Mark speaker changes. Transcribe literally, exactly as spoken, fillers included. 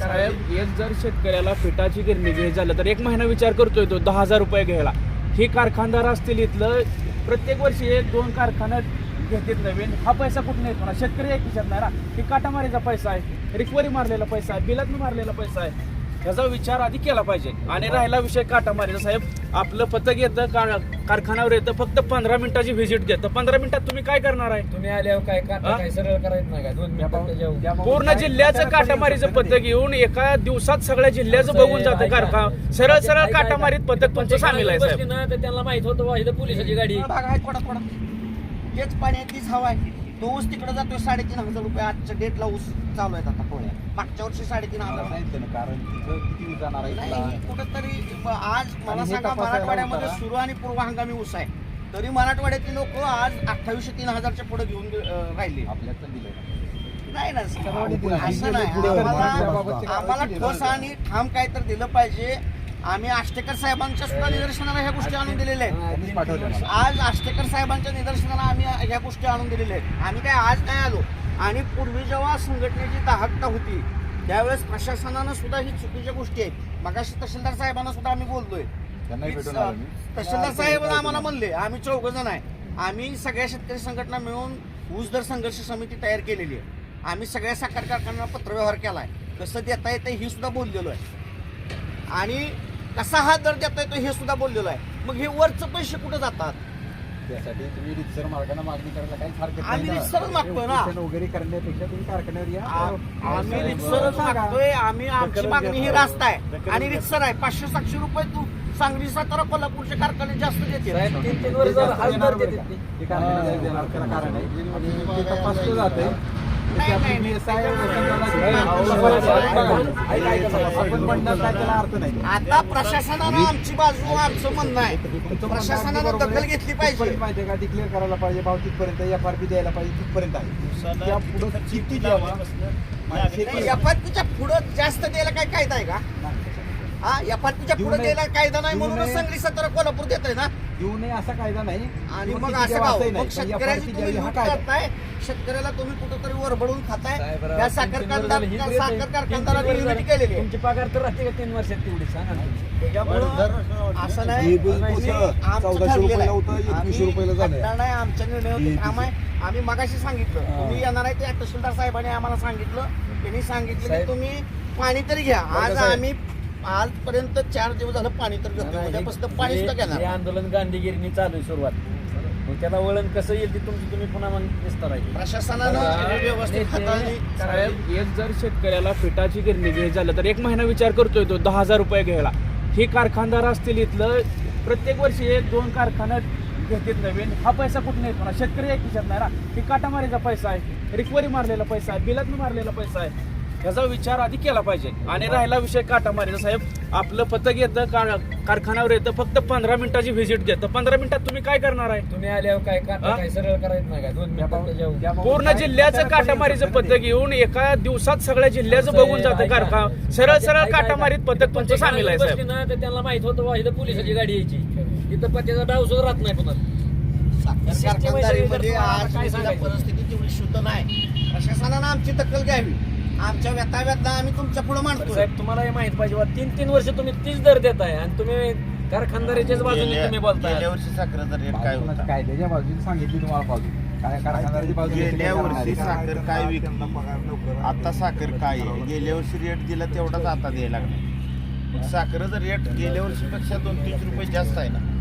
Speaker 1: साहेब एक जर शेतकऱ्याला पिठाची गिरणी घ्यायची झालं तर एक महिना विचार करतोय तो दहा हजार रुपये घ्यायला. ही कारखानदार असतील इथलं प्रत्येक वर्षी एक दोन कारखान्यात घेतात नवीन. हा पैसा कुठून येतो ना? शेतकरी एक विचार नाही ना. ही काटामारीचा पैसा आहे, रिकवरी मारलेला पैसा आहे, बिलातनं मारलेला पैसा आहे. ह्याचा विचार आधी केला पाहिजे. आणि राहिला विषय काटामारीचा साहेब, आपलं पथक येतं कारखान्यावर येतं, फक्त पंधरा मिनिटाची व्हिजिट घेतं. पंधरा मिनिटात तुम्ही काय करणार आहे?
Speaker 2: तुम्ही आल्यावर काय काटा काय सरळ करायचं नाही का? दोन मिनिटात
Speaker 1: पूर्ण जिल्ह्याचं काटामारीचं पथक येऊन एका दिवसात सगळ्या जिल्ह्याचं बघून जातं कारखाना. सरळ सरळ काटामारीत पथक तुमचं सामील आहे साहेब.
Speaker 2: ना तर त्यांना माहित होतं इथं पोलिसाची गाडी
Speaker 3: भाग आहे थोडा थोडा. तेच पाणी तीच हवा आहे. तो ऊस तिकडे जातोय साडेतीन हजार रुपये. आजच्या डेटला ऊस चालू आहेत आता पोळ्या. मागच्या वर्षी साडेतीन हजार
Speaker 4: कारण तिथं किती जाणार आहे
Speaker 3: नाही. कुठंतरी आज मला सांगा, मराठवाड्यामध्ये सुरू आणि पूर्व हंगामी ऊस आहे, तरी मराठवाड्यातली लोक आज अठ्ठावीसशे तीन हजारच्या पुढे घेऊन अं, राहिले.
Speaker 4: आपल्याच दिलं
Speaker 3: नाही ना, असं नाही. आम्हाला आम्हाला ठोस आणि ठाम काय तर दिलं पाहिजे. आम्ही आष्टेकर साहेबांच्या सुद्धा निदर्शनाला ह्या गोष्टी आणून दिलेल्या आहेत. आज आष्टेकर साहेबांच्या निदर्शनाला आम्ही ह्या गोष्टी आणून दिलेल्या आहेत. आम्ही काय आज काय आलो. आणि पूर्वी जेव्हा संघटनेची दाहकता होती त्यावेळेस प्रशासनानं सुद्धा ही चुकीच्या गोष्टी आहेत. मगाशी तहसीलदार साहेबांना सुद्धा आम्ही बोललोय. तहसीलदार साहेब आम्हाला म्हणले, आम्ही चौघ जण आहे, आम्ही सगळ्या शेतकरी संघटना मिळून ऊस दर संघर्ष समिती तयार केलेली आहे. आम्ही सगळ्या साखर कारखान्यांना पत्रव्यवहार केलाय, कसं देता येतं ही सुद्धा बोललेलो आहे. आणि कसा हा दर देता येतो हे सुद्धा बोललेलो आहे. मग हे वरचं पैसे कुठे जातात?
Speaker 4: त्यासाठी तुम्ही रितसर मार्गाने मागणी करायला काही हरकत नाही.
Speaker 3: आम्ही रितसरच मागतोय ना.
Speaker 4: वगैरे करण्यापेक्षा तुम्ही कारखान्यावर या.
Speaker 3: आम्ही रितसरच मागतोय. आम्ही आमची मागणी ही रास्त आहे आणि रितसर आहे. पाचशे सातशे रुपये तू सांगली सातारा कोल्हापूरचे कारखाने जास्त देते.
Speaker 2: तीन तीन वर्ष हजार देते
Speaker 4: ते कारखान्याला देणार त्याला कारण आहे आणि ते तपासलं जातंय.
Speaker 3: नाही, नाही,
Speaker 4: आपण म्हणणार काय त्याला अर्थ नाही.
Speaker 3: आता प्रशासनानं आमची बाजू, आमचं म्हणणं आहे, प्रशासनानं दखल घेतली पाहिजे.
Speaker 4: माहिती का, डिक्लेअर करायला पाहिजे, भाव तिथपर्यंत एफ आर पी द्यायला पाहिजे, तिथपर्यंत आहे. त्या पुढं किती द्यावा
Speaker 3: एफआरपीच्या पुढं जास्त द्यायला काय कायदा आहे का? हा, एफआरपीच्या पुढे द्यायला कायदा नाही म्हणून सांगली सातारा कोल्हापूर देत आहे ना.
Speaker 4: देऊ नये असा कायदा नाही.
Speaker 3: आणि मग असं का? मग शेतकऱ्याची तुम्ही लूट करताय. शेतकऱ्याला तुम्ही कुठंतरी वरबडून खाताय. या साखर कारखानदार साखर कारखानदारांनी युनिटी केलेली आहे.
Speaker 2: तुमची पगार तर राहते का तीन वर्षात तेवढी सांगा ना.
Speaker 3: त्याच्यामुळं असं नाही. आमचं ठरलेलं आहे. आम्ही नाही, आमच्या निर्णय काम आहे. आम्ही मगाशी सांगितलं तुम्ही येणार आहे ते तहसीलदार साहेबांनी आम्हाला सांगितलं. त्यांनी सांगितलं की तुम्ही पाणी तरी घ्या. आज आम्ही आजपर्यंत चार दिवस झालं पाणी तर घेतो. उद्यापासून पाणी सुद्धा घेणार.
Speaker 2: हे आंदोलन गांधीगिरीने चालू आहे सुरुवात. मग त्याला वळण कसं येईल ते तुमची तुम्ही पुन्हा मग विस्तार आहे.
Speaker 3: प्रशासनानं व्यवस्थित हाताळणी
Speaker 1: साहेब एक जर शेतकऱ्याला पिठाची गिरणी घ्यायची झालं तर एक महिना विचार करतोय तो दहा हजार रुपये घ्यायला. ही कारखानदार असतील इथलं प्रत्येक वर्षी एक दोन कारखान्यात घेतात नवीन. हा पैसा कुठून येतो ना? शेतकरी एक विचार नाही ना. ही काटामारीचा पैसा आहे, रिकवरी मारलेला पैसा आहे, बिलातनं मारलेला पैसा आहे. ह्याचा विचार आधी केला पाहिजे. आणि राहिला विषय काटामारीचा साहेब, आपलं पथक येतं कारखान्यावर येतं, फक्त पंधरा मिनिटाची व्हिजिट घेतं. पंधरा मिनिटात तुम्ही काय करणार आहे?
Speaker 2: तुम्ही आल्यावर काय काटा काय सरळ करायचं नाही का? दोन मिनिटात
Speaker 1: पूर्ण जिल्ह्याचं काटामारीचं पथक येऊन एका दिवसात सगळ्या जिल्ह्याचं बघून जातं कारखाना. सरळ सरळ काटामारीत पथक तुमचं सामील आहे साहेब.
Speaker 2: ना तर त्यांना माहित होतं इथं पोलिसाची गाडी यायची. इथं पत्त्याचा डाव सुद्धा राहत नाही पुन्हा.
Speaker 3: साखर कारखानदारीमध्ये आज परिस्थिती तेवढी शुद्ध नाही. प्रशासनानं आमची दखल घ्यावी. आमच्या व्यथा व्यथा आम्ही तुमच्या पुढे मांडतो.
Speaker 2: साहेब तुम्हाला हे माहित पाहिजे तीन तीन वर्ष तुम्ही तीच दर देताय आणि तुम्ही कारखानदारीच्याच बाजूने तुम्ही बोलताय.
Speaker 5: गेल्या वर्षी साखरेचा रेट काय होता?
Speaker 4: कायद्याच्या बाजूने सांगितली तुम्हाला पाहिजे काय कारखानदाराची बाजू.
Speaker 5: गेल्या वर्षी साखर काय विकली, आता साखर काय आहे? गेल्या वर्षी रेट दिला तेवढाच आता द्यायला लागला. साखरेचा रेट गेल्या वर्षीपेक्षा दोन तीन रुपये जास्त आहे ना.